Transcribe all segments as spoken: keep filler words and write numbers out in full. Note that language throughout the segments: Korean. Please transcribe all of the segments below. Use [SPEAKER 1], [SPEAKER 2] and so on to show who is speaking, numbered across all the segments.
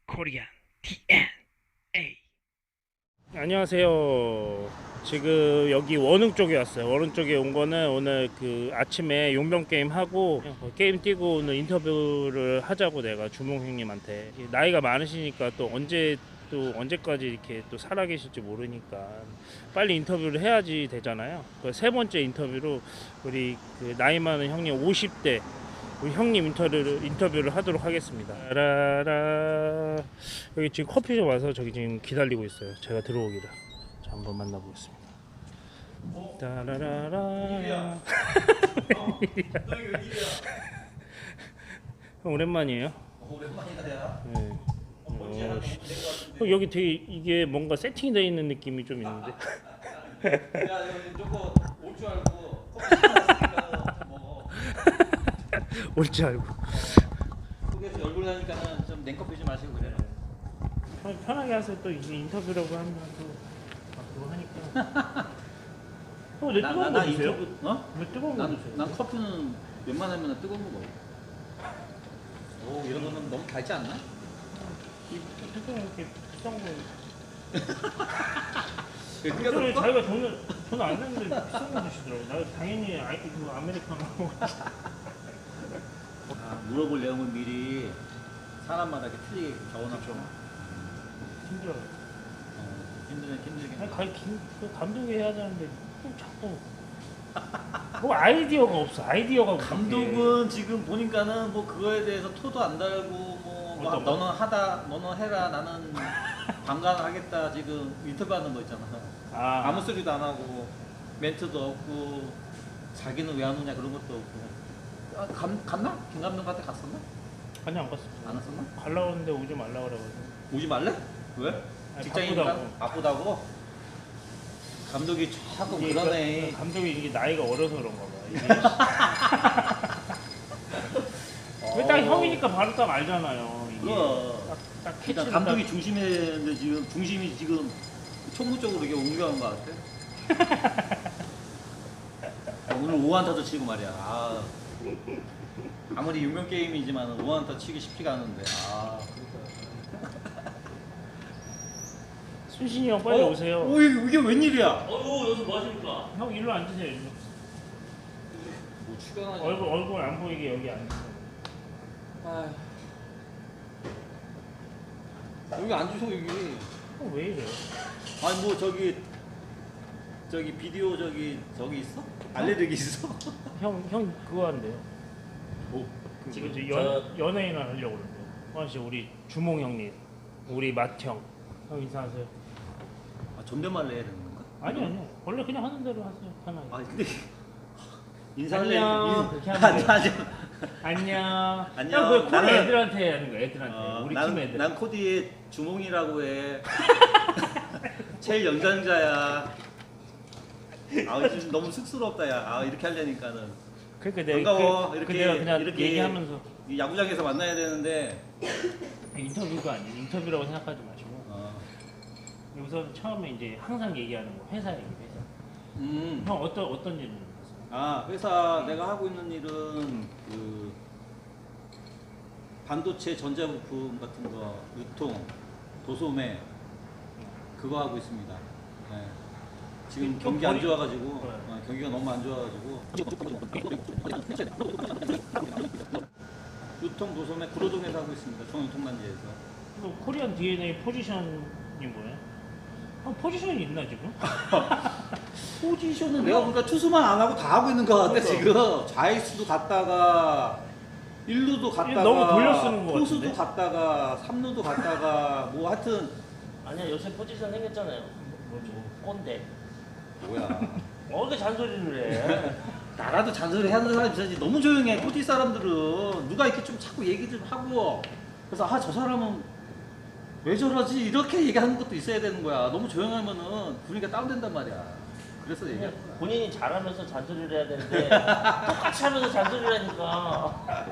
[SPEAKER 1] 코리안 디엔에이.
[SPEAKER 2] 안녕하세요. 지금 여기 원흥 쪽에 왔어요. 원흥 쪽에 온 거는 오늘 그 아침에 용병 게임 하고 게임 뛰고 오늘 인터뷰를 하자고 내가 주몽 형님한테, 나이가 많으시니까 또 언제 또 언제까지 이렇게 또 살아 계실지 모르니까 빨리 인터뷰를 해야지 되잖아요. 그 세 번째 인터뷰로 우리 그 나이 많은 형님 오십 대 우리 형님 인터뷰를 인터뷰를 하도록 하겠습니다. 라라. 여기 지금 커피숍 와서 저기 지금 기다리고 있어요. 제가 들어오기를. 자, 한번 만나보겠습니다. 따라라라. 형 오랜만이에요.
[SPEAKER 3] 오랜만이다 야.
[SPEAKER 2] 네. 어, 씨. 형, 여기 되게 이게 뭔가 세팅되어 있는 느낌이 좀 있는데.
[SPEAKER 3] 야 여기 저거 올 줄 알고 커피 시켰으니까 좀 먹어.
[SPEAKER 2] 올 줄 알고.
[SPEAKER 3] 거기서 얼굴 나니까는 좀 냉커피 좀 마시고 그래.
[SPEAKER 2] 편- 편하게 하세요. 또 이게 인터뷰라고 하면 또 막 그거 하니까. 형, 왜 뜨거운 거 드세요?
[SPEAKER 3] 인터뷰 어?
[SPEAKER 2] 왜 뜨거운 거
[SPEAKER 3] 난,
[SPEAKER 2] 드세요?
[SPEAKER 3] 난 커피는 웬만하면 뜨거운 거 먹어. 오 이런 거는 너무 달지 않나?
[SPEAKER 2] 이 뜨거운 이렇게 비싼 거.
[SPEAKER 3] 왜
[SPEAKER 2] 그래, 자기가 돈을 돈 안 냈는데 비싼 거 드시더라고. 나 당연히 아이 그 아메리카노.
[SPEAKER 3] 아, 물어볼 내용은 미리 사람마다 이렇게 틀리게 적어놨죠.
[SPEAKER 2] 힘들어요.
[SPEAKER 3] 어, 힘들긴 힘들긴.
[SPEAKER 2] 아니, 가, 김, 그 감독이 해야 되는데 좀 자꾸 뭐 아이디어가 없어. 아이디어가
[SPEAKER 3] 감독은 지금 보니까는 뭐 그거에 대해서 토도 안 달고 뭐, 뭐
[SPEAKER 2] 어떤 거?
[SPEAKER 3] 너는 하다 너는 해라 나는 방관을 하겠다 지금 인터뷰하는 거 있잖아.
[SPEAKER 2] 아,
[SPEAKER 3] 아무 소리도 안 하고 멘트도 없고 자기는 왜 안 오냐 그런 것도 없고. 아, 감, 갔나? 김 감독한테 갔었나?
[SPEAKER 2] 아니 안 갔어.
[SPEAKER 3] 안 왔었나?
[SPEAKER 2] 갈라 그러는데 오지 말라 그래가지고.
[SPEAKER 3] 오지 말래? 왜?
[SPEAKER 2] 아니,
[SPEAKER 3] 직장이니까
[SPEAKER 2] 바쁘다고.
[SPEAKER 3] 바쁘다고? 감독이 자꾸
[SPEAKER 2] 이게
[SPEAKER 3] 그러네.
[SPEAKER 2] 그 감독이 이게 나이가 어려서 그런가 봐. 이게 왜딱
[SPEAKER 3] 어.
[SPEAKER 2] 형이니까 바로 딱 알잖아요. 이게
[SPEAKER 3] 그거.
[SPEAKER 2] 딱, 딱
[SPEAKER 3] 일단
[SPEAKER 2] 캐치를
[SPEAKER 3] 감독이
[SPEAKER 2] 딱-
[SPEAKER 3] 중심인데 지금 중심이 지금 총무 쪽으로 이게 옮겨간 것 같아. 아, 오늘 오 안타도 치고 말이야. 아, 아무리 유명 게임이지만 오 안타 치기 쉽지가 않은데. 아,
[SPEAKER 2] 순신이 형 빨리
[SPEAKER 3] 어?
[SPEAKER 2] 오세요.
[SPEAKER 3] 오, 이게, 이게 웬일이야?
[SPEAKER 1] 어우 여기서 뭐 하십니까?
[SPEAKER 2] 형 일로 앉으세요. 일로.
[SPEAKER 3] 뭐 출연하지?
[SPEAKER 2] 얼굴 얼굴 안 보이게 여기 앉으세요.
[SPEAKER 3] 아, 여기 앉으셔 여기.
[SPEAKER 2] 형 왜 이래?
[SPEAKER 3] 아니 뭐 저기 저기 비디오 저기 저기 있어? 알레르기 있어?
[SPEAKER 2] 형 형 그거 한대요.
[SPEAKER 3] 뭐?
[SPEAKER 2] 지금 이제 연 연예인을 하려고 그러는데. 호환 씨 우리 주몽 형님, 우리 맏형 형 인사하세요.
[SPEAKER 3] 아, 존댓말 내야 되는 건가?
[SPEAKER 2] 아니 아니요. 원래 그냥 하는 대로 하세요. 편하게.
[SPEAKER 3] 아 근데 인사를
[SPEAKER 2] 안녕.
[SPEAKER 3] 해.
[SPEAKER 2] 그렇게 하면 돼요.
[SPEAKER 3] 아니,
[SPEAKER 2] 안녕.
[SPEAKER 3] 안녕.
[SPEAKER 2] 형 그거 코리
[SPEAKER 3] 나는-
[SPEAKER 2] 애들한테 하는 거. 애들한테.
[SPEAKER 3] 어,
[SPEAKER 2] 우리
[SPEAKER 3] 난,
[SPEAKER 2] 팀 애들.
[SPEAKER 3] 난 코디의 주몽이라고 해. 제일 연장자야. 아 지금 너무 쑥스럽다 야. 아 이렇게 하려니까는
[SPEAKER 2] 그러니까 내가
[SPEAKER 3] 반가워.
[SPEAKER 2] 그,
[SPEAKER 3] 이렇게
[SPEAKER 2] 그 내가 그냥
[SPEAKER 3] 이렇게
[SPEAKER 2] 얘기하면서
[SPEAKER 3] 이 야구장에서 만나야 되는데.
[SPEAKER 2] 인터뷰가 아니에요. 인터뷰라고 생각하지 마시고
[SPEAKER 3] 어.
[SPEAKER 2] 우선 처음에 이제 항상 얘기하는 거 회사 얘기 회사.
[SPEAKER 3] 음.
[SPEAKER 2] 형 어떤 어떤 일을 했어요?
[SPEAKER 3] 아 회사 내가 하고 있는 일은 그 반도체 전자부품 같은 거 유통 도소매 그거 하고 있습니다. 네. 지금
[SPEAKER 2] 좀
[SPEAKER 3] 경기 안
[SPEAKER 2] 거리-
[SPEAKER 3] 좋아가지고
[SPEAKER 2] 네.
[SPEAKER 3] 어, 경기가 너무 안 좋아가지고 유통 도소매 구로동에서 하고 있습니다. 중앙유통단지에서.
[SPEAKER 2] 그 코리안 디엔에이 포지션이 뭐예요? 형 포지션이 있나 지금?
[SPEAKER 3] 포지션은 내가 보니까 투수만 안 하고 다 하고 있는 것 같아
[SPEAKER 2] 그러니까.
[SPEAKER 3] 지금. 좌익수도 갔다가 일루도 갔다가
[SPEAKER 2] 너무 돌려 쓰는 것
[SPEAKER 3] 투수도
[SPEAKER 2] 같은데?
[SPEAKER 3] 갔다가 삼루도 갔다가 뭐 하여튼
[SPEAKER 1] 아니야 요새 포지션 생겼잖아요.
[SPEAKER 2] 뭐죠?
[SPEAKER 1] 꼰대.
[SPEAKER 3] 뭐야
[SPEAKER 1] 어 왜 잔소리를 해?
[SPEAKER 3] 나라도 잔소리 하는 사람이 있어야지. 너무 조용해 코디 사람들은. 누가 이렇게 좀 자꾸 얘기 좀 하고 그래서 아 저 사람은 왜 저러지 이렇게 얘기하는 것도 있어야 되는 거야. 너무 조용하면은 분위기가 다운된단 말이야. 그래서
[SPEAKER 1] 그냥
[SPEAKER 3] 얘기하는 거야.
[SPEAKER 1] 본인이 잘하면서 잔소리를 해야 되는데 똑같이 하면서 잔소리를 하니까.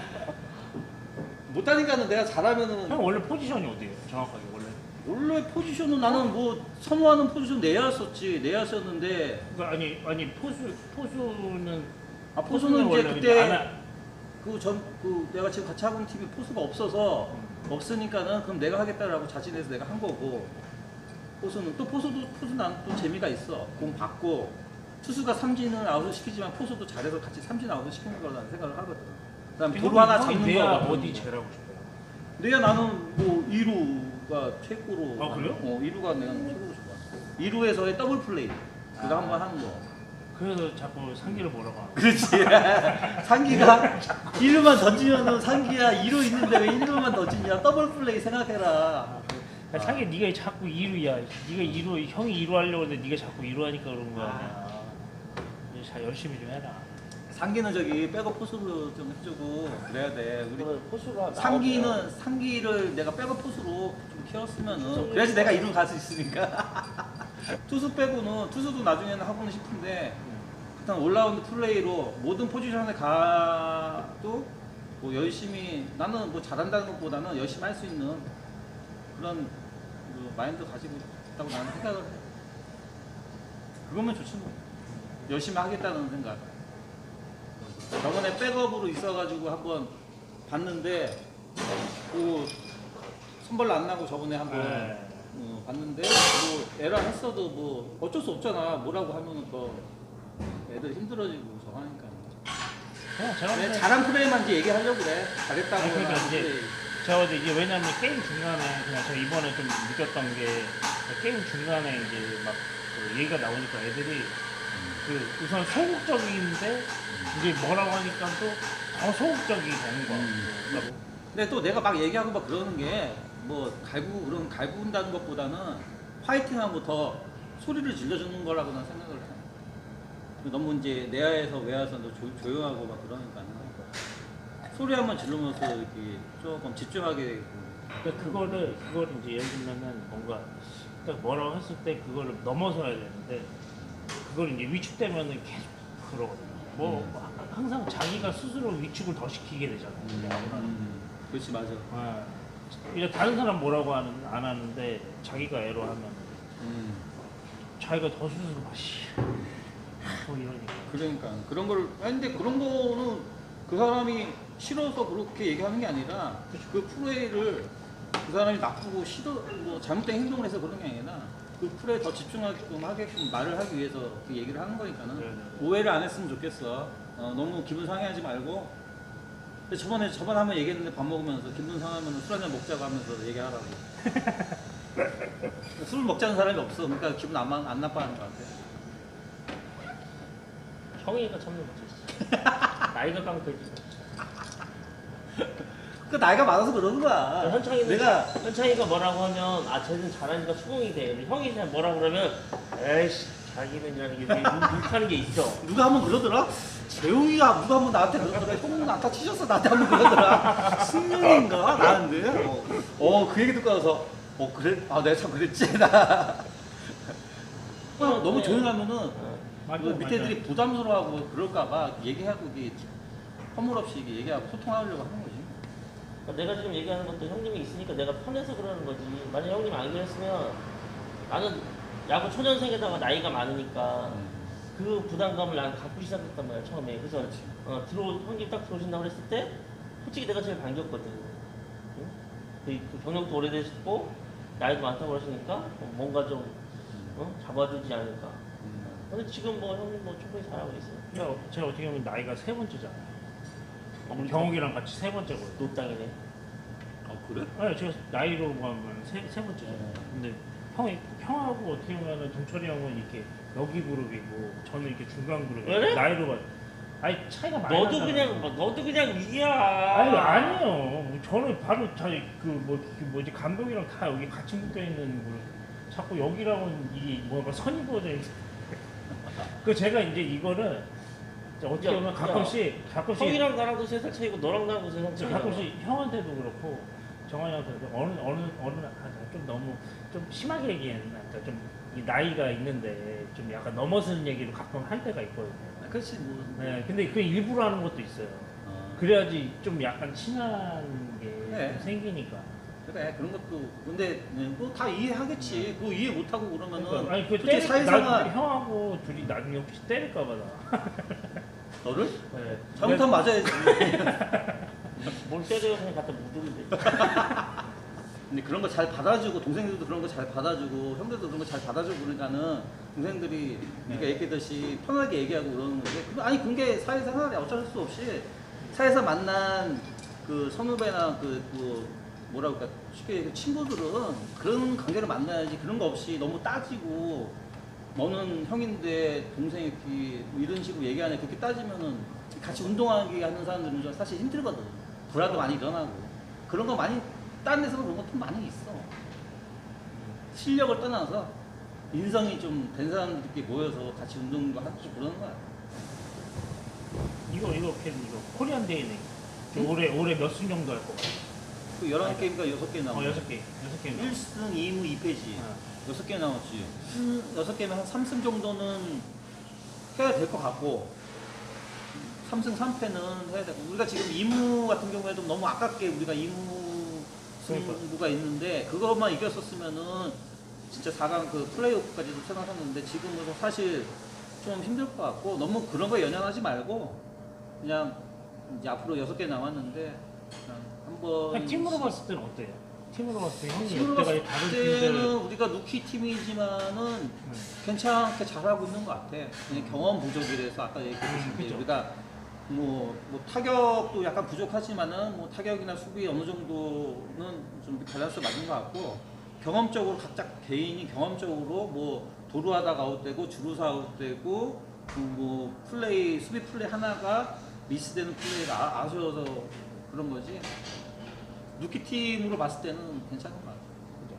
[SPEAKER 3] 못하니까는 내가 잘하면은
[SPEAKER 2] 형 원래 포지션이 어디예요? 정확하게 원래?
[SPEAKER 3] 원래 포지션은 나는 뭐 선호하는 포지션 내야였었지 내야였었는데
[SPEAKER 2] 그러니까 아니 아니 포수 포수는
[SPEAKER 3] 아 포수는 이제
[SPEAKER 2] 원래
[SPEAKER 3] 그때
[SPEAKER 2] 안 하-
[SPEAKER 3] 그 전 그 내가 지금 같이 하고 있는 팀이 포수가 없어서
[SPEAKER 2] 음.
[SPEAKER 3] 없으니까는 그럼 내가 하겠다라고 자신해서 내가 한 거고 포수는 또 포수도 포수 나는 또 재미가 있어. 공 받고 투수가 삼진을 아웃을 시키지만 포수도 잘해서 같이 삼진 아웃을 시키는 거라는 생각을 하거든. 그다음에 도루 하나 잡는
[SPEAKER 2] 내가
[SPEAKER 3] 거
[SPEAKER 2] 어디 제라고 싶어요?
[SPEAKER 3] 내가 나는 뭐 이 루가 최고로
[SPEAKER 2] 아, 그래요?
[SPEAKER 3] 어 이 루가 내가 최고로 좋아. 이 루에서의 더블 플레이 그거
[SPEAKER 2] 아.
[SPEAKER 3] 한번 하는 거.
[SPEAKER 2] 그래서 자꾸 상기를 뭐라고 하는
[SPEAKER 3] 그렇지. 상기가 일 루만 던지면은 상기야 이 루 있는데 왜 일 루만 던지냐. 더블 플레이 생각해라.
[SPEAKER 2] 야, 상기 네가 자꾸 이 루야. 네가 이 루, 형이 이 루 하려고 했는데 네가 자꾸 이 루 하니까 그런 거 아니야. 이제 자 열심히 좀 해라.
[SPEAKER 3] 상기는 저기 백업 포수로 좀 해주고 그래야 돼. 우리
[SPEAKER 1] 그러면 포수가
[SPEAKER 3] 상기는 상기를 내가 백업 포수로 좀 키웠으면은 그래야지 내가 이 루 갈 수 있으니까. 투수 빼고는 투수도 나중에는 하고는 싶은데 일단 올라운드 플레이로 모든 포지션에 가도 뭐 열심히 나는 뭐 잘한다는 것보다는 열심히 할 수 있는 그런 그 마인드 가지고 있다고 나는 생각을 해. 그거면 좋지 뭐. 열심히 하겠다는 생각. 저번에 백업으로 있어가지고 한번 봤는데 그 선발 안 나고 저번에 한번
[SPEAKER 2] 네.
[SPEAKER 3] 어, 봤는데 뭐 에라 했어도 뭐 어쩔 수 없잖아. 뭐라고 하면은 더 애들 힘들어지고 저거 하니까.
[SPEAKER 2] 그냥 제가
[SPEAKER 3] 내
[SPEAKER 2] 그냥-
[SPEAKER 3] 잘한 플레이만 이제 얘기하려고 그래. 잘했다고.
[SPEAKER 2] 아니, 그러니까
[SPEAKER 3] 하는
[SPEAKER 2] 이제
[SPEAKER 3] 플레이.
[SPEAKER 2] 제가 어제 이게 왜냐면 게임 중간에 그냥 제가 이번에 좀 느꼈던 게 게임 중간에 이제 막그 얘기가 나오니까 애들이 그 우선 소극적인데 이제 뭐라고 하니까 또 더 소극적이 되는 거야.
[SPEAKER 3] 음.
[SPEAKER 2] 그러니까
[SPEAKER 3] 근데 또 내가 막 얘기하고 막 그러는 게 뭐 갈구 그런 갈구한다는 것보다는 파이팅하고 더 소리를 질러주는 거라고 난 생각을 해. 너무 이제 내야에서 외야에서 너 조, 조용하고 막 그러니까 소리 한번 지르면서 이렇게 조금 집중하게 되고.
[SPEAKER 2] 그러니까 그거를 그거를 이제 예를 들면은 뭔가 딱 뭐라고 했을 때 그거를 넘어서야 되는데 그걸 이제 위축되면은 계속 그러거든요. 뭐
[SPEAKER 3] 음.
[SPEAKER 2] 항상 자기가 스스로 위축을 더 시키게 되잖아요.
[SPEAKER 3] 음, 그렇지 맞아.
[SPEAKER 2] 아, 이제 다른 사람 뭐라고 하는, 안 하는데 자기가 애로 하면
[SPEAKER 3] 음,
[SPEAKER 2] 자기가 더 스스로 마시 뭐 이러니까.
[SPEAKER 3] 그러니까 그런 걸 아니, 근데 그런 거는 그 사람이 싫어서 그렇게 얘기하는 게 아니라 그 플레이를 그 사람이 나쁘고 싫어 뭐 잘못된 행동을 해서 그런 게 아니라 그 플레이에 더 집중하게끔 하게끔 말을 하기 위해서 그 얘기를 하는 거니까는
[SPEAKER 2] 네네.
[SPEAKER 3] 오해를 안 했으면 좋겠어. 어, 너무 기분 상해하지 말고. 근데 저번에 저번에 한번 얘기했는데 밥 먹으면서 기분 상하면 술 한잔 먹자고 하면서 얘기하라고. 술 먹자는 사람이 없어. 그러니까 기분 안, 안 나빠하는 것 같아.
[SPEAKER 1] 형이니까 참는 거지. 나이가 깡패지.
[SPEAKER 3] 그 나이가 많아서 그러는 거야.
[SPEAKER 1] 현창이는
[SPEAKER 3] 내가
[SPEAKER 1] 현창이가 뭐라고 하면 아 쟤는 잘하니까 수긍이 돼. 근데 형이 그냥 뭐라고 그러면 에이씨 자기는이라는 게 불타는 게 있어.
[SPEAKER 3] 누가 한번 그러더라? 재웅이가 누가 한번 나한테 그러더라. 형 나타 치셨어 나한테 한번 그러더라. 승윤인가 나는데. 어, 어, 그 얘기 듣고 나서 어 그래? 아 내가 참 그랬지 나. 형 너무 조용하면은
[SPEAKER 2] 맞아,
[SPEAKER 3] 그 밑에 애들이 부담스러워하고 그럴까봐 얘기하고 이게 허물없이 이게 얘기하고 소통하려고 하는 거지.
[SPEAKER 1] 그러니까 내가 지금 얘기하는 것도 형님이 있으니까 내가 편해서 그러는 거지. 만약 형님 안 그랬으면 나는 야구 초년생에다가 나이가 많으니까 그 부담감을 난 갖고 시작했단 말이야 처음에. 그래서 어, 들어 형님 딱 들어오신다고 그랬을 때 솔직히 내가 제일 반겼거든. 응? 그, 그 경력도 오래되셨고 나이도 많다고 그러시니까 어, 뭔가 좀 어? 잡아주지 않을까. 근데 지금 뭐 형님 뭐 충분히 잘하고 있어요.
[SPEAKER 2] 제가, 제가 어떻게 보면 나이가 세 번째잖아요. 경욱이랑 같이 세 번째거든요.
[SPEAKER 1] 노땅이네.
[SPEAKER 3] 아 그래?
[SPEAKER 2] 아니 제가 나이로 보면 세, 세 번째잖아요. 근데 형이 형하고 어떻게 보면 동철이 형은 이렇게 여기 그룹이고 저는 이렇게 중간 그룹이고
[SPEAKER 1] 그래?
[SPEAKER 2] 나이로 봐. 아니 차이가 많이
[SPEAKER 1] 너도
[SPEAKER 2] 나잖아요.
[SPEAKER 1] 그냥 뭐, 너도 그냥 위야.
[SPEAKER 2] 아니 아니에요. 저는 바로 다그뭐 그 뭐지 감독이랑 다 여기 같이 묶여 있는 그룹. 자꾸 여기랑은 이게 뭐가 선이 부어져 있어. 그 제가 이제 이거를 이제 어떻게
[SPEAKER 1] 야,
[SPEAKER 2] 보면
[SPEAKER 1] 야.
[SPEAKER 2] 가끔씩 가끔씩
[SPEAKER 1] 형이랑 나랑도 세 살 차이고 너랑 나랑도 세 살 차이고.
[SPEAKER 2] 가끔씩 형한테도 그렇고 정환이한테도 어느 어느 어느 날 아, 좀 너무 좀 심하게 얘기했나. 그러니까 좀 이 나이가 있는데 좀 약간 넘어서는 얘기를 가끔 할 때가 있거든요.
[SPEAKER 3] 아, 그렇지 뭐.
[SPEAKER 2] 네, 근데 그 일부러 하는 것도 있어요.
[SPEAKER 3] 어.
[SPEAKER 2] 그래야지 좀 약간 친한 게
[SPEAKER 3] 네.
[SPEAKER 2] 좀 생기니까.
[SPEAKER 3] 그래 그런 것도 근데 뭐 다 이해하겠지. 그거 이해 못하고 그러면은
[SPEAKER 2] 그러니까, 아니 그
[SPEAKER 3] 솔직히
[SPEAKER 2] 때릴
[SPEAKER 3] 사회생활
[SPEAKER 2] 나 형하고 둘이 나중에 혹시 때릴까봐 나.
[SPEAKER 3] 너를
[SPEAKER 2] 네.
[SPEAKER 3] 잘못하면 맞아야지.
[SPEAKER 1] 뭘 때려요 그냥 갖다 묻으면 돼.
[SPEAKER 3] 근데 그런 거 잘 받아주고 동생들도 그런 거 잘 받아주고 형들도 그런 거 잘 받아주고 그러니까는 동생들이 우리가
[SPEAKER 2] 네.
[SPEAKER 3] 얘기했듯이 편하게 얘기하고 그러는 건데 그- 아니 그게 사회생활에 어쩔 수 없이 사회에서 만난 그 선후배나 그, 그 뭐라고 할까 쉽게 얘기해 친구들은 그런 관계를 만나야지 그런 거 없이 너무 따지고 너는 형인데 동생이 이렇게 뭐 이런 식으로 얘기하네 그렇게 따지면은 같이 운동하기 하는 사람들은 좀 사실 힘들거든 불화도 많이 일어나고 그런 거 많이 다른 데서 그런 것도 많이 있어 실력을 떠나서 인성이 좀 된 사람들끼리 모여서 같이 운동도 하고 그러는 거야
[SPEAKER 2] 이거 이거 걔 이거 코리안 데이네. 올해 올해 몇 승 정도 할 거 같아?
[SPEAKER 3] 그 열한 게임인가 여섯 개
[SPEAKER 2] 어
[SPEAKER 3] 남았어
[SPEAKER 2] 여섯 개 여섯 개.
[SPEAKER 3] 일 승 이 무 이 패지
[SPEAKER 2] 어.
[SPEAKER 3] 여섯 개 남았지 여섯 개면 한 삼 승 정도는 해야 될 것 같고 삼 승 삼 패는 해야 되고 우리가 지금 이 무 같은 경우에도 너무 아깝게 우리가 이 무 승부가 있는데 그것만 이겼었으면은 진짜 사 강 그 플레이오프까지도 생각했는데 지금은 사실 좀 힘들 것 같고 너무 그런 거에 연연하지 말고 그냥 이제 앞으로 여섯 개 남았는데 그냥 한번
[SPEAKER 2] 그냥 팀으로 봤을 때는 어때요? 팀으로 봤을 때 형이
[SPEAKER 3] 팀으로
[SPEAKER 2] 여태까지
[SPEAKER 3] 봤을
[SPEAKER 2] 다른
[SPEAKER 3] 때는
[SPEAKER 2] 팀들
[SPEAKER 3] 우리가 루키 팀이지만은
[SPEAKER 2] 음.
[SPEAKER 3] 괜찮게 잘하고 있는 것 같아. 그냥 경험 부족이라서 아까 얘기했듯이
[SPEAKER 2] 음, 그죠.
[SPEAKER 3] 우리가 뭐, 뭐 타격도 약간 부족하지만은 뭐 타격이나 수비 어느 정도는 좀 밸런스 맞는 것 같고 경험적으로 각자 개인이 경험적으로 뭐 도루하다가 아웃되고 주루사 아웃되고 그뭐 플레이 수비 플레이 하나가 미스되는 플레이가 아, 아쉬워서 그런 거지. 루키 팀으로 봤을 때는 괜찮은 것 같아.
[SPEAKER 2] 그죠.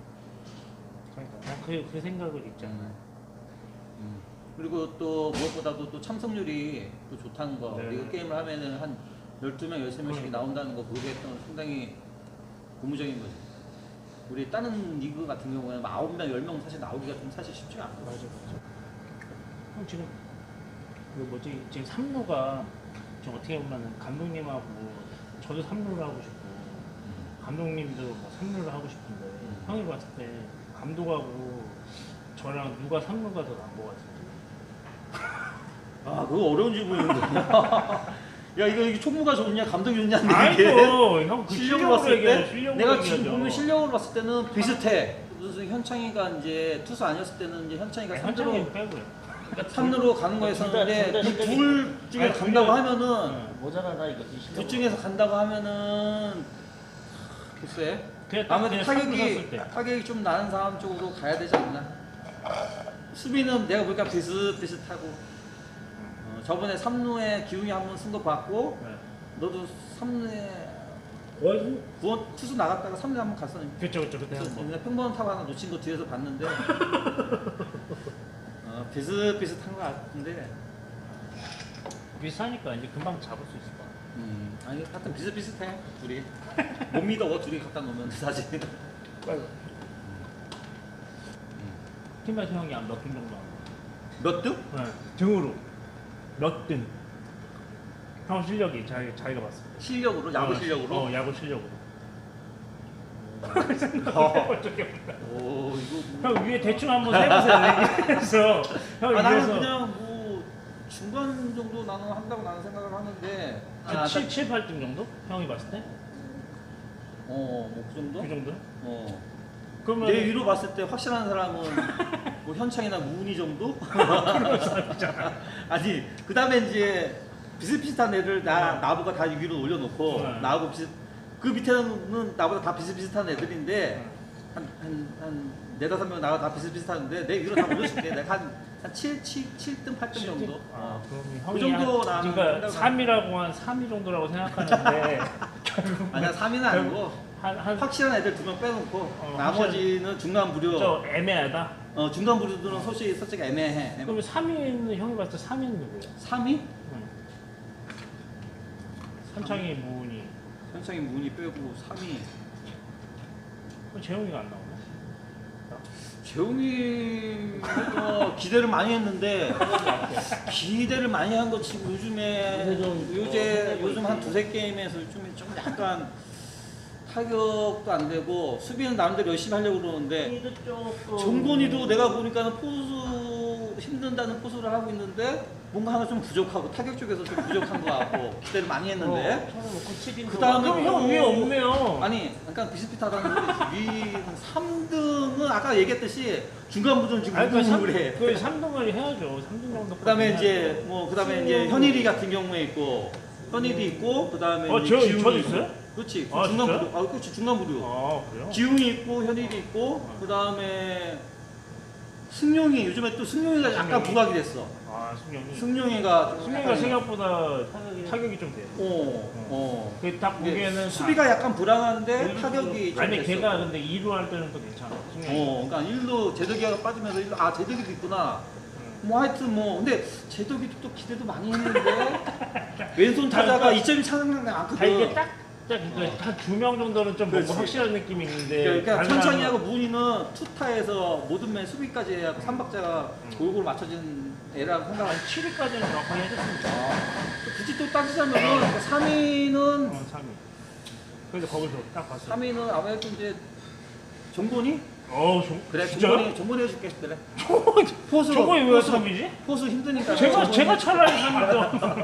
[SPEAKER 2] 그러니까 그, 그 생각을 있잖아.
[SPEAKER 3] 음. 그리고 또 무엇보다도 또 참석률이 또 좋다는 거.
[SPEAKER 2] 네.
[SPEAKER 3] 리그 게임을 하면은 한 열두 명, 열세 명씩
[SPEAKER 2] 그러니까.
[SPEAKER 3] 나온다는 거 그게 또 상당히 고무적인 거지. 우리 다른 리그 같은 경우에는 아홉 명, 열 명 사실 나오기가 좀 사실 쉽지가 않아.
[SPEAKER 2] 맞아 맞아. 형 지금 그 뭐지 지금 삼 루가 지금 어떻게 보면은 감독님하고 저도 삼 루를 하고 싶고 감독님도 뭐 삼 루를 하고 싶은데
[SPEAKER 3] 음.
[SPEAKER 2] 형이 봤을 때 감독하고 저랑 누가 삼 루가 더 나은 것 같은데.
[SPEAKER 3] 아, 그거 어려운 질문인데. 야, 이거, 이게 총무가 좋냐, 감독이 좋냐인데 이게.
[SPEAKER 2] 아이고 형그
[SPEAKER 3] 실력으로 봤을 때
[SPEAKER 2] 실력으로
[SPEAKER 3] 내가
[SPEAKER 2] 얘기하죠.
[SPEAKER 3] 지금 보면 실력으로 봤을 때는 비슷해. 무슨 현창이가 이제 투수 아니었을 때는 이제 현창이가
[SPEAKER 2] 아니,
[SPEAKER 3] 삼 루로
[SPEAKER 2] 현창이 빼고요. 그러니까
[SPEAKER 3] 삼 루로 가는
[SPEAKER 1] 둘 다-
[SPEAKER 3] 거였었는데
[SPEAKER 1] 둘다
[SPEAKER 3] 그
[SPEAKER 1] 실력이-
[SPEAKER 3] 둘 중에
[SPEAKER 2] 아니,
[SPEAKER 3] 간다고
[SPEAKER 2] 둘 다-
[SPEAKER 3] 하면은
[SPEAKER 1] 모자라다 이거지. 실력으로.
[SPEAKER 3] 둘 중에서 간다고 하면은 글쎄
[SPEAKER 2] 그냥 딱
[SPEAKER 3] 아무래도
[SPEAKER 2] 그냥 삼 루
[SPEAKER 3] 타격이
[SPEAKER 2] 섰을 때.
[SPEAKER 3] 타격이 좀 나는 사람 쪽으로 가야 되지 않나. 수비는 내가 보니까 비슷비슷하고 어, 저번에 삼 루에 기웅이 한번 쓴 거 봤고
[SPEAKER 2] 네.
[SPEAKER 3] 너도 삼 루에
[SPEAKER 2] 어이
[SPEAKER 3] 구원 투수 나갔다가 삼 루에 한번 갔었는데
[SPEAKER 2] 그쵸 그쵸 그때 한 번.
[SPEAKER 3] 내가 평범한 타구 하나 놓친 거 뒤에서 봤는데 어, 비슷비슷한 거 같은데
[SPEAKER 2] 비슷하니까 이제 금방 잡을 수 있을 것 같아.
[SPEAKER 3] 음, 아니 하여튼 비슷비슷해 둘이 못 믿어 둘이 갖다 놓으면 사실
[SPEAKER 2] 팀에서 형이 한 몇 등 정도 하는
[SPEAKER 3] 몇 등?
[SPEAKER 2] 거? 네. 등으로 몇 등? 형 실력이 자기 자기가 봤을 때.
[SPEAKER 3] 실력으로 야구
[SPEAKER 2] 어,
[SPEAKER 3] 실력으로
[SPEAKER 2] 어 야구 실력으로.
[SPEAKER 3] 어.
[SPEAKER 2] 어떻게 볼까?
[SPEAKER 3] 오 이거
[SPEAKER 2] 형 위에 대충 한번 세보세요. 그래서 형
[SPEAKER 3] 아, 나는
[SPEAKER 2] 위에서
[SPEAKER 3] 그냥 뭐 중간 정도 나는 한다고 나는 생각을 하는데 아,
[SPEAKER 2] 칠, 칠, 팔 등 정도? 형이 봤을 때?
[SPEAKER 3] 어뭐 그 정도?
[SPEAKER 2] 그 정도?
[SPEAKER 3] 어.
[SPEAKER 2] 그러면
[SPEAKER 3] 내 위로 봤을 때 확실한 사람은 뭐 현창이나 무은이 정도? 아니 그 다음에 이제 비슷비슷한 애들 나 나보고 다 위로 올려놓고
[SPEAKER 2] 네.
[SPEAKER 3] 나하고 비슷 그 밑에는 나보다 다 비슷비슷한 애들인데 한 한 한 네다섯 명 나와 다 비슷비슷한데 내 위로 다 올려줄게. 내가 한한 칠, 칠, 칠 등, 팔 등 정도.
[SPEAKER 2] 아,
[SPEAKER 3] 어.
[SPEAKER 2] 그럼
[SPEAKER 3] 그
[SPEAKER 2] 형이
[SPEAKER 3] 정도
[SPEAKER 2] 한,
[SPEAKER 3] 나는
[SPEAKER 2] 그러니까
[SPEAKER 3] 생각을
[SPEAKER 2] 삼 위라고 한 삼 위 정도라고 생각하는데 결국
[SPEAKER 3] 아니야 삼 위는 아니고
[SPEAKER 2] 한한
[SPEAKER 3] 확실한 애들 두 명 빼놓고
[SPEAKER 2] 어,
[SPEAKER 3] 나머지는 중간 부류.
[SPEAKER 2] 저 애매하다.
[SPEAKER 3] 어 중간 부류들은 솔직히 솔직히 애매해. 애매.
[SPEAKER 2] 그러면 삼 위는 형이 봤을 때 삼 위는 누구야?
[SPEAKER 3] 삼 위?
[SPEAKER 2] 응. 현창이 무은이.
[SPEAKER 3] 현창이 문이 빼고 삼 위.
[SPEAKER 2] 그럼 재용이가 안 나오네.
[SPEAKER 3] 재웅이가 기대를 많이 했는데 기대를 많이 한 거 지금 요즘에
[SPEAKER 1] 요새 좀,
[SPEAKER 3] 요새
[SPEAKER 1] 어,
[SPEAKER 3] 요즘 한
[SPEAKER 1] 있지.
[SPEAKER 3] 두세 게임에서 좀, 좀 약간 타격도 안 되고 수비는 나름대로 열심히 하려고 그러는데
[SPEAKER 1] 이도 조금
[SPEAKER 3] 정곤이도 내가 보니까는 포수 힘든다는 포수를 하고 있는데 뭔가 하나 좀 부족하고 타격 쪽에서 좀 부족한 것 같고 기대를 많이 했는데
[SPEAKER 1] 처음에 뭐 고치긴
[SPEAKER 3] 그 다음에
[SPEAKER 2] 그럼 형 위에 없네요.
[SPEAKER 3] 아니 약간 비슷비슷하다는 소리지. 위 삼 등은 아까 얘기했듯이 중간부전 지금
[SPEAKER 2] 아니, 그 삼-
[SPEAKER 3] 우승을 해.
[SPEAKER 2] 그 삼 등을 해야죠. 삼 등 정도.
[SPEAKER 3] 그다음에 이제 뭐 그다음에 이제 현일이 같은 경우에 있고 현일이 있고 그다음에
[SPEAKER 2] 어,
[SPEAKER 3] 이제
[SPEAKER 2] 저-
[SPEAKER 3] 기웅이
[SPEAKER 2] 저도
[SPEAKER 3] 있고.
[SPEAKER 2] 있어요?
[SPEAKER 3] 그렇지.
[SPEAKER 2] 아,
[SPEAKER 3] 중간
[SPEAKER 2] 진짜요?
[SPEAKER 3] 부류. 아, 그렇지. 중간 부류.
[SPEAKER 2] 아 그래요?
[SPEAKER 3] 기웅이 있고 현일이 있고 그다음에 승용이 요즘에 또 승용이가 약간
[SPEAKER 2] 승용이?
[SPEAKER 3] 부각이 됐어.
[SPEAKER 2] 아 승용이.
[SPEAKER 3] 승용이가 좀
[SPEAKER 2] 승용이가
[SPEAKER 3] 약간-
[SPEAKER 2] 생각보다
[SPEAKER 1] 타격이
[SPEAKER 2] 타격이 좀 돼요.
[SPEAKER 3] 어. 어.
[SPEAKER 2] 그딱
[SPEAKER 3] 이게
[SPEAKER 2] 보기에는
[SPEAKER 3] 수비가 약간 불안한데
[SPEAKER 1] 다-
[SPEAKER 3] 타격이 좀
[SPEAKER 2] 아니
[SPEAKER 3] 됐어.
[SPEAKER 2] 걔가 근데 이 루 할 때는 또 괜찮아. 승용이.
[SPEAKER 3] 어, 그러니까 일루 제덕이가 빠지면서 일루 아 제덕이도 있구나. 뭐 하여튼 뭐 근데 제덕이도 또 기대도 많이 했는데 왼손 타자가
[SPEAKER 2] 그러니까
[SPEAKER 3] 이 점이 차는 게
[SPEAKER 2] 다
[SPEAKER 3] 많거든.
[SPEAKER 2] 이게 딱딱한두 명 정도는 좀 뭔가
[SPEAKER 3] 그렇지.
[SPEAKER 2] 확실한 느낌이 있는데.
[SPEAKER 3] 그러니까
[SPEAKER 2] 다른
[SPEAKER 3] 천천히하고
[SPEAKER 2] 사람은-
[SPEAKER 3] 문희는 투타에서 모든 맨 수비까지 해야 삼박자가
[SPEAKER 2] 음.
[SPEAKER 3] 골고루 맞춰진 애라고 생각하고
[SPEAKER 2] 한 칠 위까지는 정확하게 해줬습니다.
[SPEAKER 3] 굳이 또 따지자면은 삼 위는
[SPEAKER 2] 어, 삼 위. 그래서 거기서 딱 봤어.
[SPEAKER 3] 삼 위는 아무래도 이제 정곤이?
[SPEAKER 2] 어, 좀
[SPEAKER 3] 그래
[SPEAKER 2] 진짜요?
[SPEAKER 3] 정곤이 정곤이 해줄게 그래. 포수
[SPEAKER 2] 저거에 왜
[SPEAKER 3] 포수,
[SPEAKER 2] 삼 위지?
[SPEAKER 3] 포수 힘드니까
[SPEAKER 2] 제가
[SPEAKER 3] 정곤이-
[SPEAKER 2] 제가 차라리 삼 위죠.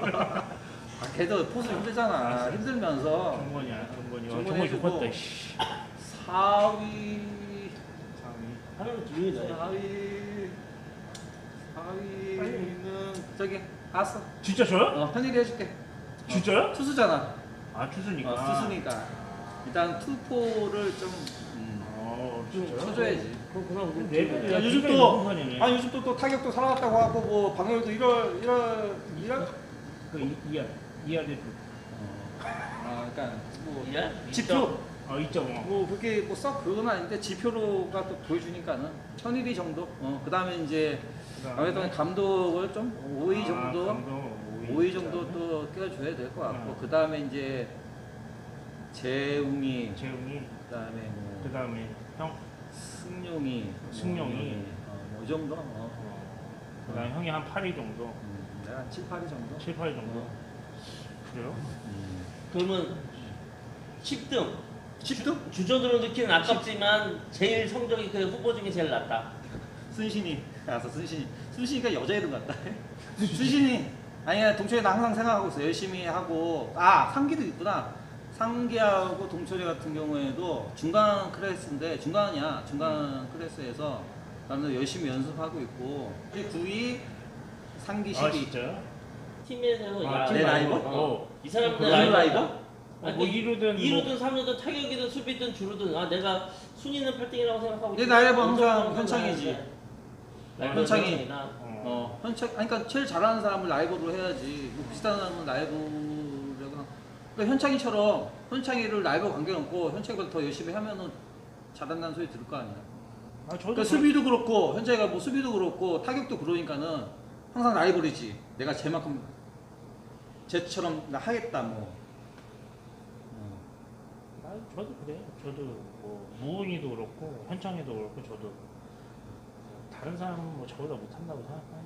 [SPEAKER 3] 아, 걔도 포수 힘들잖아. 힘들면서
[SPEAKER 2] 정권이야, 정권이.
[SPEAKER 3] 정권이
[SPEAKER 2] 정권
[SPEAKER 3] 해주고.
[SPEAKER 2] 좋겠다. 씨.
[SPEAKER 3] 사 위,
[SPEAKER 2] 삼 위.
[SPEAKER 1] 하나는 기운이다.
[SPEAKER 3] 사 위, 사 위는 저기 알았어.
[SPEAKER 2] 진짜 저요?
[SPEAKER 3] 어, 편일이 해줄게.
[SPEAKER 2] 진짜요?
[SPEAKER 3] 투수잖아.
[SPEAKER 2] 아 추수니까.
[SPEAKER 3] 어, 투수니까 일단 투포를 좀 음,
[SPEAKER 2] 어, 진짜요?
[SPEAKER 3] 쳐줘야지.
[SPEAKER 1] 그럼 그럼 우리
[SPEAKER 2] 내비도
[SPEAKER 3] 야, 요즘
[SPEAKER 2] 굉장히
[SPEAKER 3] 또
[SPEAKER 2] 높은 편이네.
[SPEAKER 3] 아니 요즘 또, 또 타격도 살아났다고 하고 뭐 방열도 일월 일월 일월
[SPEAKER 2] 그 이- 이하 이하 대표.
[SPEAKER 3] 아 그러니까 뭐
[SPEAKER 1] 이야?
[SPEAKER 3] 지표
[SPEAKER 2] 어, 이 점 오.
[SPEAKER 3] 뭐 그렇게 뭐 썩 그건 아닌데 지표로가 또 보여주니까는 천일이 정도. 어 그다음에 이제 아무래도 감독을 좀 오 위 정도 오 위 정도 또 껴줘야 될 것 같고
[SPEAKER 2] 어.
[SPEAKER 3] 그다음에 이제 재웅이
[SPEAKER 2] 재웅이.
[SPEAKER 3] 그다음에 뭐
[SPEAKER 2] 그 다음에 형.
[SPEAKER 3] 승용이
[SPEAKER 2] 승용이.
[SPEAKER 3] 어, 뭐 정도 어.
[SPEAKER 2] 어. 그 다음에 형이 한 팔 위 정도.
[SPEAKER 3] 음, 내가 한 칠, 팔 위 정도.
[SPEAKER 2] 칠, 팔 위 정도. 그래요?
[SPEAKER 3] 음.
[SPEAKER 1] 그러면 십 등
[SPEAKER 3] 십 등?
[SPEAKER 1] 주전으로 넣기는 아깝지만 제일 성적이 그 후보 중에 제일 낮다.
[SPEAKER 3] 순신이 알았어 순신이 순신이가 여자 이름 같다. 순신이 아니야 동철이 나 항상 생각하고 있어 열심히 하고 아 상기도 있구나. 상기하고 동철이 같은 경우에도 중간 클래스인데 중간이야 중간 클래스에서 나는 열심히 연습하고 있고 구 위 상기 십 위.
[SPEAKER 2] 아 진짜요?
[SPEAKER 1] 팀에서
[SPEAKER 2] 아,
[SPEAKER 1] 야,
[SPEAKER 3] 내 라이벌?
[SPEAKER 1] 어. 이 사람들
[SPEAKER 2] 그
[SPEAKER 3] 라이벌?
[SPEAKER 1] 라이벌?
[SPEAKER 2] 어, 뭐 이 루든
[SPEAKER 1] 이
[SPEAKER 2] 뭐-
[SPEAKER 1] 루든 삼 루든 타격이든 수비든 주루든 아 내가 순위는 팔 등이라고 생각하고
[SPEAKER 3] 내
[SPEAKER 1] 있지만
[SPEAKER 3] 라이벌 항상
[SPEAKER 1] 엄청
[SPEAKER 3] 현창이지.
[SPEAKER 1] 라이벌
[SPEAKER 3] 현창이.
[SPEAKER 1] 현창이나
[SPEAKER 2] 어.
[SPEAKER 3] 어 현창 아니 그러니까 제일 잘하는 사람을 라이벌로 해야지 뭐 비슷한 사람은 라이벌이라고 그러니까 현창이처럼 현창이를 라이벌 관계없고 현창이보다 더 열심히 하면은 잘한다는 소리 들을 거 아니야.
[SPEAKER 2] 아 저도
[SPEAKER 3] 그러니까 수비도 그렇고 현재가 뭐 수비도 그렇고 타격도 그러니까는 항상 라이벌이지. 내가 쟤만큼 쟤처럼 나 하겠다 뭐. 어.
[SPEAKER 2] 아, 저도 그래요. 저도 뭐 무은이도 그렇고 현창이도 그렇고 저도 뭐 다른 사람은 뭐 저보다 못한다고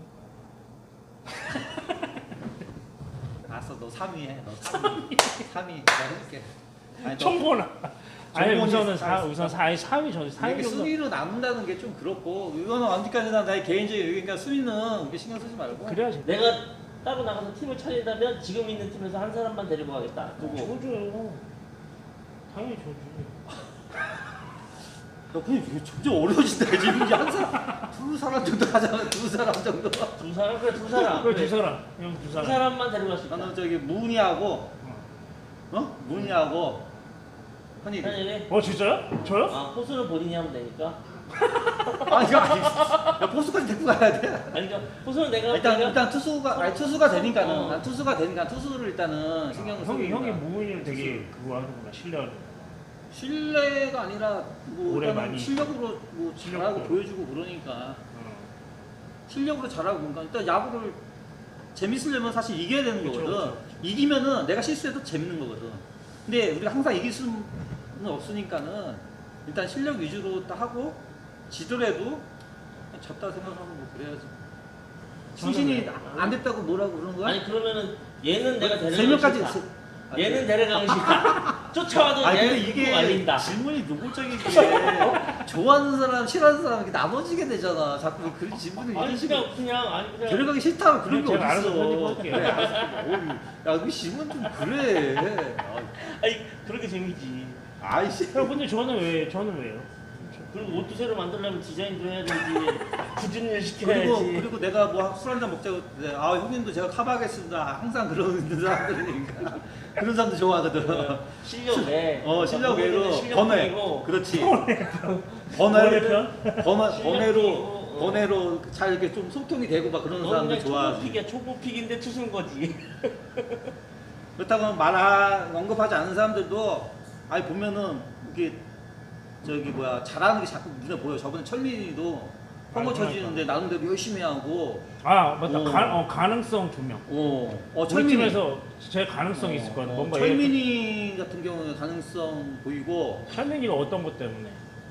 [SPEAKER 2] 생각하니까.
[SPEAKER 3] 알았어 너 삼 위 해. 너 삼 위. 삼 위 내가 해줄게. 아니, 너
[SPEAKER 2] 청보나. 아니
[SPEAKER 3] 정권이
[SPEAKER 2] 우선은 사
[SPEAKER 3] 사-
[SPEAKER 2] 우선 사 사 위 저는 사 위
[SPEAKER 3] 이렇게
[SPEAKER 2] 정도.
[SPEAKER 3] 순위로 남는다는 게 좀 그렇고 이거는 언제까지나 나의 개인적인 의견이니까 순위는 그렇게 신경 쓰지 말고.
[SPEAKER 2] 그래야지.
[SPEAKER 1] 내가 따로 나가서 팀을 차린다면 지금 있는 팀에서 한 사람만 데리고 가겠다. 누구?
[SPEAKER 2] 저죠. 당연히 저지.
[SPEAKER 3] 너 근데 이게 점점 어려워진다 지금 이제 한 사람 두 사람 정도 하잖아 두 사람 정도.
[SPEAKER 1] 두 사람 그래 두 사람.
[SPEAKER 2] 그래 두 사람. 형 두
[SPEAKER 1] 두
[SPEAKER 2] 사람.
[SPEAKER 1] 사람만 데리고 갈 수 있다.
[SPEAKER 3] 나는 저기 무은이하고
[SPEAKER 2] 어.
[SPEAKER 3] 어 무은이하고 현일이.
[SPEAKER 1] 현일이?
[SPEAKER 2] 어 진짜요? 저요?
[SPEAKER 1] 아 포수는 본인이 하면 되니까.
[SPEAKER 3] 아 이거 아니 야 포수까지 데리고 가야 돼.
[SPEAKER 1] 아니 그러니까 포수는 내가
[SPEAKER 3] 일단
[SPEAKER 1] 내가-
[SPEAKER 3] 일단 투수가 아니 투수가 되니까는
[SPEAKER 1] 어.
[SPEAKER 3] 난 투수가 되니까 투수를 일단은 신경을 쓰고
[SPEAKER 2] 형이
[SPEAKER 3] 있는
[SPEAKER 2] 형이
[SPEAKER 3] 거야.
[SPEAKER 2] 무은이를 되게 그거 하는구나 신뢰하는.
[SPEAKER 3] 신뢰가 아니라 뭐
[SPEAKER 2] 오래
[SPEAKER 3] 일단은
[SPEAKER 2] 많이-
[SPEAKER 3] 실력으로 뭐 잘하고
[SPEAKER 2] 실력도.
[SPEAKER 3] 보여주고 그러니까
[SPEAKER 2] 어.
[SPEAKER 3] 실력으로 잘하고 그러니까 일단 야구를 재밌으려면 사실 이겨야 되는
[SPEAKER 2] 그쵸,
[SPEAKER 3] 거거든.
[SPEAKER 2] 그쵸, 그쵸.
[SPEAKER 3] 이기면은 내가 실수해도 재밌는 거거든. 근데 우리가 항상 이길 수는 없으니까는 일단 실력 위주로 딱 하고 지더라도 그냥 졌다 생각하고 뭐 그래야지.
[SPEAKER 2] 저는
[SPEAKER 3] 승신이
[SPEAKER 2] 왜-
[SPEAKER 3] 안 됐다고 뭐라고 그러는 거야?
[SPEAKER 1] 아니 그러면은 얘는 내가 데리고
[SPEAKER 3] 세 명까지
[SPEAKER 1] 가고
[SPEAKER 3] 세-
[SPEAKER 1] 싶다. 얘는 데려가고 싶다. 쫓아와도
[SPEAKER 3] 아니 근데
[SPEAKER 1] 얘
[SPEAKER 3] 이게
[SPEAKER 1] 말린다.
[SPEAKER 3] 질문이 노골적인 게 좋아하는 사람 싫어하는 사람 이렇게 나눠지게 되잖아. 자꾸 그런 질문을 이런
[SPEAKER 1] 아니
[SPEAKER 3] 식으로
[SPEAKER 1] 그냥 그냥 아니 그냥
[SPEAKER 3] 데려가기 싫다면 그런 게
[SPEAKER 2] 제가 알아서
[SPEAKER 3] 어딨어.
[SPEAKER 2] 편집할게요.
[SPEAKER 3] 그래 알았어. 어이, 야 그 질문 좀 그래.
[SPEAKER 1] 아니 그렇게 재미지.
[SPEAKER 3] 아이씨.
[SPEAKER 2] 형 근데 저는 왜 저는 왜요?
[SPEAKER 1] 그리고 옷도 새로 만들려면 디자인도 해야 되지. 굳은 일 시켜야지.
[SPEAKER 3] 그리고 그리고 내가 뭐 술 한잔 먹자고 했는데 아 형님도 제가 커버하겠습니다. 항상 그러는 사람들이니까 그런 사람들 좋아하거든.
[SPEAKER 1] 실력 외.
[SPEAKER 3] 어 실력 외로
[SPEAKER 1] 실력
[SPEAKER 3] 번외.
[SPEAKER 1] 외고.
[SPEAKER 3] 그렇지. 번외
[SPEAKER 2] 번외편?
[SPEAKER 3] 번외
[SPEAKER 1] 실력
[SPEAKER 3] 번외로
[SPEAKER 1] 외고, 어.
[SPEAKER 3] 번외로 잘 이렇게 좀 소통이 되고 막 그러는
[SPEAKER 1] 너는
[SPEAKER 3] 사람들
[SPEAKER 1] 그냥
[SPEAKER 3] 좋아하지.
[SPEAKER 1] 초보픽이야. 초보픽인데 투수인 거지.
[SPEAKER 3] 그렇다고 말 언급하지 않는 사람들도 아니 보면은 이게 저기 뭐야 잘하는 게 자꾸 눈에 보여. 저번에 철민이도 펑거 쳐지는데 나름대로 열심히 하고.
[SPEAKER 2] 아 맞다.
[SPEAKER 3] 어.
[SPEAKER 2] 가, 어, 가능성 조명.
[SPEAKER 3] 어, 어
[SPEAKER 2] 우리
[SPEAKER 3] 철민이.
[SPEAKER 2] 팀에서 제 가능성이 있을 것 같아.
[SPEAKER 3] 어,
[SPEAKER 2] 뭔가
[SPEAKER 3] 철민이 같은 경우는 가능성 보이고
[SPEAKER 2] 얘- 철민이가 어떤 것 때문에?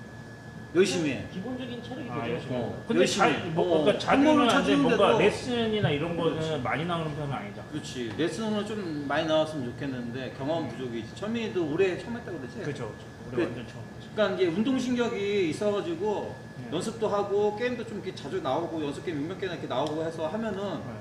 [SPEAKER 3] 열심히 해.
[SPEAKER 1] 기본적인 체력이
[SPEAKER 2] 아
[SPEAKER 1] 되죠.
[SPEAKER 2] 열심히.
[SPEAKER 3] 어,
[SPEAKER 2] 근데
[SPEAKER 3] 열심히
[SPEAKER 2] 잘
[SPEAKER 3] 해.
[SPEAKER 2] 뭐,
[SPEAKER 3] 어,
[SPEAKER 2] 그러니까 자주는
[SPEAKER 3] 한번을
[SPEAKER 2] 안돼.
[SPEAKER 3] 찾는데도
[SPEAKER 2] 뭔가 레슨이나 이런 거는
[SPEAKER 3] 그렇지.
[SPEAKER 2] 많이 나오는 편은 아니잖아.
[SPEAKER 3] 그렇지. 레슨은 좀 많이 나왔으면 좋겠는데 경험 부족이지. 철민이도 올해 처음 했다고 그랬지?
[SPEAKER 2] 그렇죠. 우리
[SPEAKER 3] 그-
[SPEAKER 2] 완전 처음이지.
[SPEAKER 3] 그러니까 이게 운동신경이 있어가지고
[SPEAKER 2] 네.
[SPEAKER 3] 연습도 하고 게임도 좀 이렇게 자주 나오고 연습 게임 몇몇 개나 이렇게 나오고 해서 하면은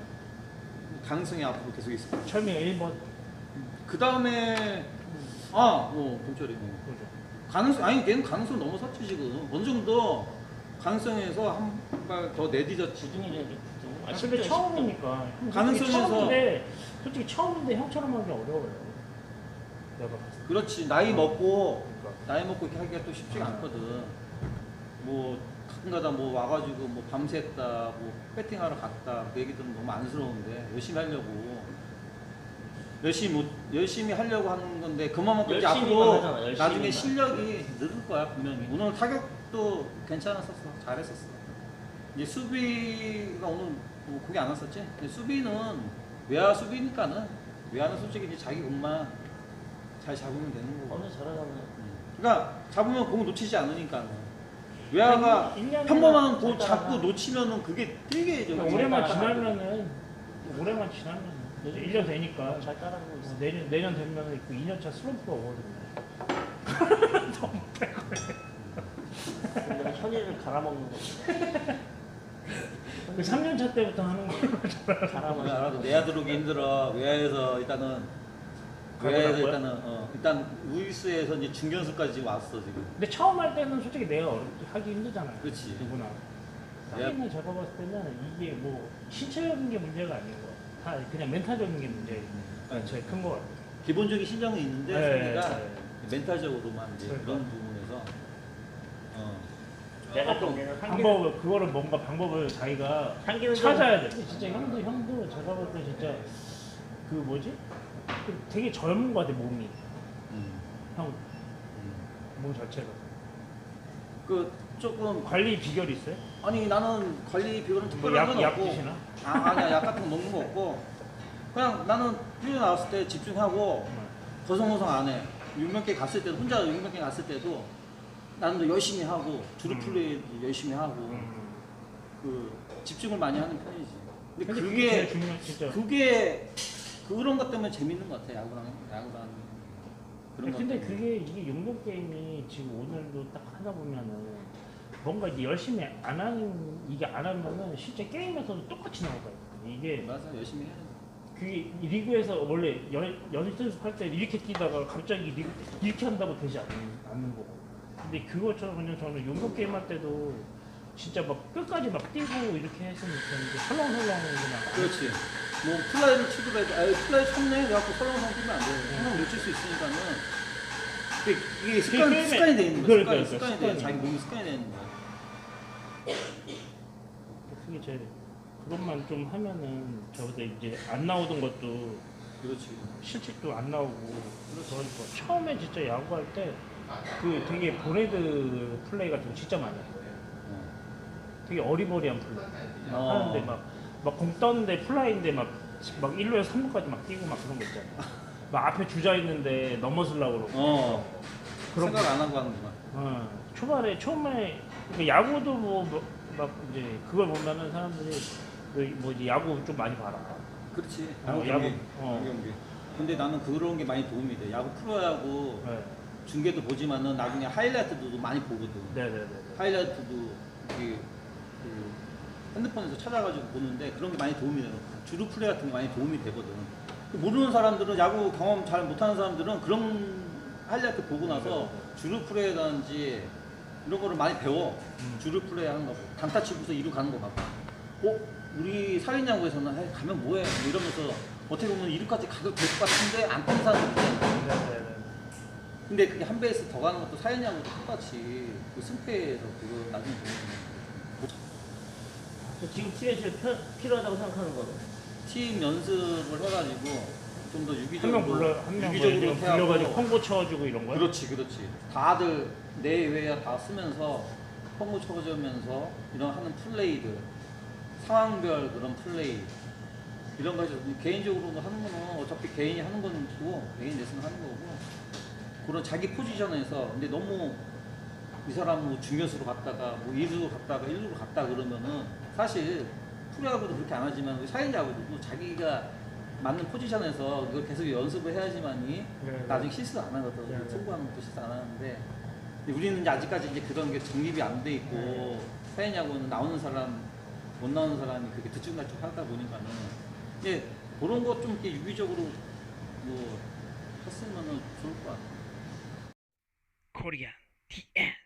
[SPEAKER 2] 네.
[SPEAKER 3] 가능성이 앞으로 계속 있을 거야.
[SPEAKER 2] 철민이가 일 번.
[SPEAKER 3] 그 다음에 아, 어, 동철이. 어.
[SPEAKER 2] 그죠.
[SPEAKER 3] 가능성 아니 걔는 가능성 넘어섰지 지금. 어느 정도 가능성에서 한 발 더 내디뎠지.
[SPEAKER 1] 구등이라는 게 구등.
[SPEAKER 2] 아, 근데
[SPEAKER 1] 십등,
[SPEAKER 2] 처음이니까. 형,
[SPEAKER 3] 가능성에서-
[SPEAKER 2] 솔직히 처음인데, 솔직히 처음인데 형처럼 하기 어려워요. 내가 봤을 때.
[SPEAKER 3] 그렇지. 나이 먹고
[SPEAKER 2] 그러니까.
[SPEAKER 3] 나이 먹고 이렇게 하기가 또 쉽지가 않거든. 뭐 가끔가다 뭐 와가지고 뭐 밤샜다, 뭐 배팅하러 갔다 그 얘기들은 너무 안쓰러운데 열심히 하려고 열심히 못 열심히 하려고 하는 건데 그만큼 이제
[SPEAKER 1] 열심히만
[SPEAKER 3] 앞으로
[SPEAKER 1] 하잖아, 열심히만.
[SPEAKER 3] 나중에 실력이 늘을 거야 분명히. 오늘 타격도 괜찮았었어, 잘했었어. 이제 수비가 오늘 뭐 공이 안 왔었지. 근데 수비는 외야 수비니까는 외야는 솔직히 이제 자기 공만 잘 잡으면 되는 거고.
[SPEAKER 1] 어느 잘하잖아.
[SPEAKER 3] 그러니까 잡으면 공 놓치지 않으니까. 외야가
[SPEAKER 2] 일 년이나
[SPEAKER 3] 평범한 공
[SPEAKER 1] 잘
[SPEAKER 3] 잡고
[SPEAKER 1] 따라가.
[SPEAKER 3] 놓치면은 그게 되게 저기
[SPEAKER 2] 그러니까 올해만
[SPEAKER 1] 잘
[SPEAKER 2] 지나면은, 올해만 지나면은, 이제 일 년 되니까.
[SPEAKER 1] 잘 따라가고 있어.
[SPEAKER 2] 어, 내년, 내년 되면은 그 이 년 차 슬럼프가 오거든요.
[SPEAKER 1] 내가 현이를 갈아먹는 거지.
[SPEAKER 2] 그 삼 년 차 때부터 하는 거.
[SPEAKER 1] 갈아먹는
[SPEAKER 3] 내가 알아도 내야 들어오기 힘들어. 외야에서 일단은 외야에서
[SPEAKER 2] 가보라고요?
[SPEAKER 3] 일단은 어, 일단 우이스에서 이제 중견수까지 지금 왔어 지금.
[SPEAKER 2] 근데 처음 할 때는 솔직히 내가 어렵, 하기 힘들잖아요.
[SPEAKER 3] 그렇지.
[SPEAKER 2] 누구나.
[SPEAKER 3] 내가-
[SPEAKER 2] 하기는 제가 봤을 때는 이게 뭐 신체적인 게 문제가 아니고 다 그냥 멘탈적인 게 문제가
[SPEAKER 3] 네.
[SPEAKER 2] 제일 큰 거 같아요.
[SPEAKER 3] 기본적인 실력은 있는데
[SPEAKER 2] 네,
[SPEAKER 3] 상대가
[SPEAKER 2] 네.
[SPEAKER 3] 멘탈적으로만 이제
[SPEAKER 2] 그러니까.
[SPEAKER 3] 그런 부분에서 어.
[SPEAKER 1] 내가 좀 내는
[SPEAKER 2] 방법을 그거를 뭔가 방법을 자기가
[SPEAKER 1] 한계는 좀-
[SPEAKER 2] 찾아야 돼. 근데 진짜 형도 형도 제가 볼 때 진짜 그 뭐지? 그 되게 젊은 거 같아 몸이.
[SPEAKER 3] 음.
[SPEAKER 2] 형
[SPEAKER 3] 음.
[SPEAKER 2] 몸 자체가.
[SPEAKER 3] 그 조금
[SPEAKER 2] 관리 비결이 있어요?
[SPEAKER 3] 아니 나는 관리 비결은
[SPEAKER 2] 뭐
[SPEAKER 3] 특별한 건
[SPEAKER 2] 약, 약
[SPEAKER 3] 없고
[SPEAKER 2] 드시나?
[SPEAKER 3] 아, 아니야 약 같은 거 먹는 거 없고 그냥 나는 훈련 나왔을 때 집중하고 거성거성 안 해. 육명계 갔을 때도 혼자 육명계 갔을 때도 나는 더 열심히 하고 주루
[SPEAKER 2] 음.
[SPEAKER 3] 플레이 열심히 하고
[SPEAKER 2] 음.
[SPEAKER 3] 그 집중을 많이 하는 편이지. 근데
[SPEAKER 2] 근데
[SPEAKER 3] 그게
[SPEAKER 2] 제일 중요한 진짜.
[SPEAKER 3] 그게 그런 것 때문에 재밌는 것 같아. 야구랑 야구랑 그런 것
[SPEAKER 2] 근데
[SPEAKER 3] 때문에.
[SPEAKER 2] 그게 이게 용도 게임이 지금 오늘도 딱 하다 보면은 뭔가 이제 열심히 안 하는 이게 안 하면은 실제 게임에서도 똑같이 나오거든요. 이게
[SPEAKER 3] 맞아 열심히 해.
[SPEAKER 2] 그게 이 리그에서 원래 연, 연습할 때 이렇게 뛰다가 갑자기 리그 이렇게 한다고 되지 않는, 않는 거고. 근데 그것처럼 그냥 저는 용도 게임 할 때도 진짜 막 끝까지 막 뛰고 이렇게 했으면 좋겠는데 설렁설렁 그냥.
[SPEAKER 3] 그렇지. 뭐 플라이를 치더라도 아 플라이 쳤네 그래갖고 설렁설렁 뛰면 안 돼. 항상 놓칠 수 있으니까는. 근데 이게 습관
[SPEAKER 2] 게임에-
[SPEAKER 3] 습관이 돼 있는 거야.
[SPEAKER 2] 그러니까,
[SPEAKER 3] 습관이 습관이 돼.
[SPEAKER 2] 습관이.
[SPEAKER 3] 자기 몸이 습관이 돼 있는 거야.
[SPEAKER 2] 그게 제일 그것만 좀 하면은 저보다 이제 안 나오던 것도
[SPEAKER 3] 그렇지.
[SPEAKER 2] 실책도 안 나오고 그러니까 처음에 진짜 야구할 때 그 되게 보네드 플레이 같은 거 진짜 많이 했어요. 되게 어리버리한 플레이 막
[SPEAKER 3] 어.
[SPEAKER 2] 하는데 막 막 공 떴는데 플라이인데 막 막 일 루에서 삼 루까지 막 뛰고 막 그런 거 있잖아. 막 앞에 주자 있는데 넘어서려고 그러고
[SPEAKER 3] 어.
[SPEAKER 2] 그런
[SPEAKER 3] 생각 안 하고 하는구나.
[SPEAKER 2] 어, 초반에 처음에 그러니까 야구도 뭐 막 이제 그걸 보면은 사람들이 그 뭐지 야구 좀 많이 봐라.
[SPEAKER 3] 그렇지.
[SPEAKER 2] 어,
[SPEAKER 3] 야구
[SPEAKER 2] 야구,
[SPEAKER 3] 경기.
[SPEAKER 2] 어.
[SPEAKER 3] 야구 경기. 근데 나는 그런 게 많이 도움이 돼. 야구 프로야구
[SPEAKER 2] 네.
[SPEAKER 3] 중계도 보지만은 나중에 하이라이트도 많이 보거든.
[SPEAKER 2] 네네네.
[SPEAKER 3] 하이라이트도 이게 그 핸드폰에서 찾아가지고 보는데 그런 게 많이 도움이 돼요. 주루 플레이 같은 게 많이 도움이 되거든. 모르는 사람들은 야구 경험 잘 못하는 사람들은 그런 하이라이트 보고 나서 주루 플레이라든지 이런 거를 많이 배워.
[SPEAKER 2] 음.
[SPEAKER 3] 주루 플레이 하는 거, 강타 치고서 이루 가는 거 봐봐. 어? 우리 사회야구에서는 에이, 가면 뭐해? 뭐 이러면서 어떻게 보면 이루까지 가도 될 것 같은데 안 뛰는 사람이 있대.
[SPEAKER 2] 네네네.
[SPEAKER 3] 근데 그게 한 베이스 더 가는 것도 사회야구도 똑같이 그 승패에서 그거 나중에 보면
[SPEAKER 1] 지금 팀에 제일 편- 필요하다고 생각하는 거는?
[SPEAKER 3] 팀 연습을 해가지고 좀 더
[SPEAKER 2] 한
[SPEAKER 3] 유기적으로
[SPEAKER 2] 명 불러 한명
[SPEAKER 3] 유기적으로
[SPEAKER 2] 불러가지고 콤보 쳐주고 이런 거야?
[SPEAKER 3] 그렇지 그렇지 다들 내외야 다 쓰면서 펑고 쳐주면서 이런 하는 플레이들 상황별 그런 플레이 이런 거 해서 개인적으로 하는 거는 어차피 개인이 하는 건 있고 개인 레슨 하는 거고 그런 자기 포지션에서 근데 너무 이 사람 뭐 중견수로 갔다가 뭐 이루로 갔다가 일루로 갔다 그러면은 사실 프로야구도 그렇게 안 하지만 사회야구도 자기가 맞는 포지션에서 그걸 계속 연습을 해야지만이
[SPEAKER 2] 네,
[SPEAKER 3] 나중에 실수 안 하거든.
[SPEAKER 2] 네, 네.
[SPEAKER 3] 승부하는 것도 실수 안 하는데 근데 우리는 이제 아직까지 이제 그런 게 정립이 안 돼 있고
[SPEAKER 2] 네.
[SPEAKER 3] 사회야구는 나오는 사람 못 나오는 사람이 그렇게 들쭉날쭉 하다 보니까는 이제 그런 것 좀 이렇게 유기적으로 뭐 했으면은 좋을 것 같아.
[SPEAKER 2] 코리안 티엔